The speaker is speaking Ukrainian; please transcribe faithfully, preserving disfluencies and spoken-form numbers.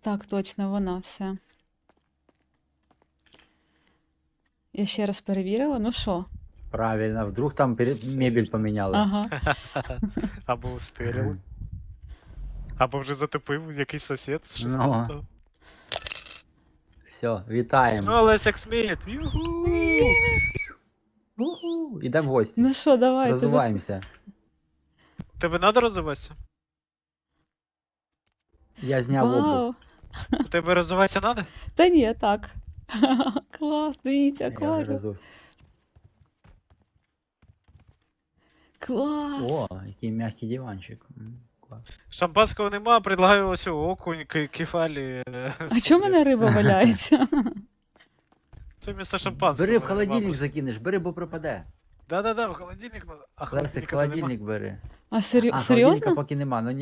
Так, точно, вона все. Я ще раз перевірила, ну що? Правильно, вдруг там пере... Все мебель вірно. поміняли. Ага. Або устирили. Або вже затопив якийсь сусід з Ну. шістнадцятого. Все, вітаємо. Що, Лесяк Сміт? Юху! Уху, ідемо в гості. Ну що, давайте. Розвиваємося. Тебе надо розвиватися? Я зняв обув. Вау. Тебе розвиватися надо? Та ні, так. Клас, дивіться, Я вже акваріум. розувся. Клас. О, який м'який диванчик. М, клас. Шампанського нема, предлагаю ось окунь, ки- кефалі. е, А чому в мене риба валяється? Це вмісто шампанського. Бери в нема холодильник просто. закинеш, бери, бо пропаде. Да-да-да, в холодильник надо. А Лесик, холодильника то нема. холодильник бери. А сері... А, серйозно? холодильника поки нема, ну